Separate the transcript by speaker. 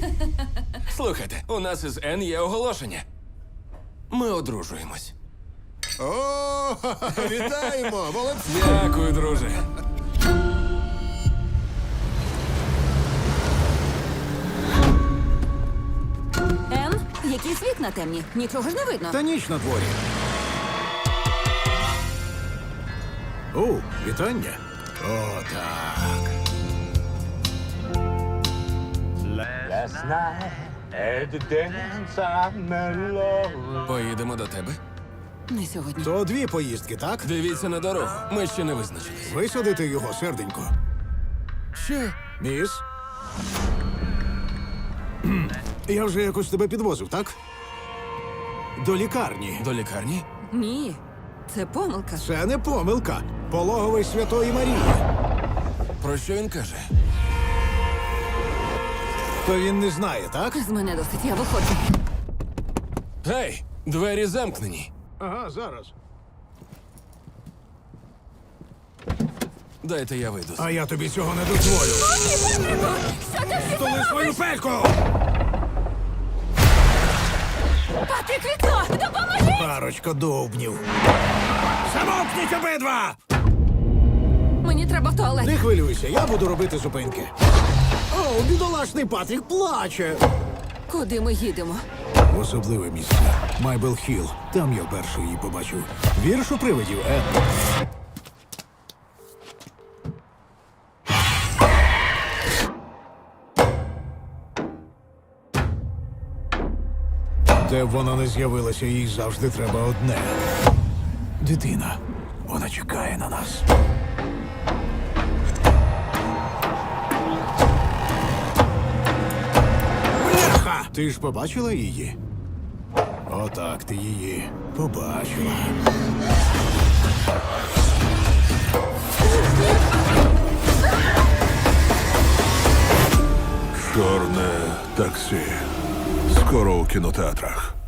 Speaker 1: Слухайте, у нас із Н є оголошення. Ми одружуємось.
Speaker 2: О, вітаємо! Молодці!
Speaker 1: Дякую, друже.
Speaker 3: Ем, якісь вікна темні. Нічого ж не видно.
Speaker 2: Та ніч на дворі. О, вітання. О, так.
Speaker 4: Last night at the dance I met love.
Speaker 1: Поїдемо до тебе.
Speaker 3: Не сьогодні.
Speaker 2: То дві поїздки, так?
Speaker 1: Дивіться на дорогу. Ми ще не визначились.
Speaker 2: Висадити його, серденько.
Speaker 1: Що?
Speaker 2: Міс? Я вже якось тебе підвозив, так? До лікарні.
Speaker 1: До лікарні?
Speaker 3: Ні. Це помилка.
Speaker 2: Це не помилка. Пологовий Святої Марії.
Speaker 1: Про що він каже?
Speaker 2: То він не знає, так?
Speaker 3: З мене досить, я виходжу.
Speaker 1: Гей, двері замкнені.
Speaker 2: Ага, зараз.
Speaker 1: Дайте я вийду.
Speaker 2: А я тобі цього не дозволю. Столи свою пельку!
Speaker 3: Патрік, вікно! Допоможи!
Speaker 2: Парочка довбнів. Замовкніть обидва!
Speaker 3: Мені треба в туалет.
Speaker 2: Не хвилюйся, я буду робити зупинки. О, бідолашний Патрік плаче.
Speaker 3: Куди ми їдемо?
Speaker 2: В особливе місце. Майбел Хілл. Там я вперше її побачив. Вірш у привидів, Де б вона не з'явилася, їй завжди треба одне. Дитина. Вона чекає на нас. Бляха! Ти ж побачила її? Отак ти її побачила.
Speaker 5: Чорне таксі. Скоро у кінотеатрах.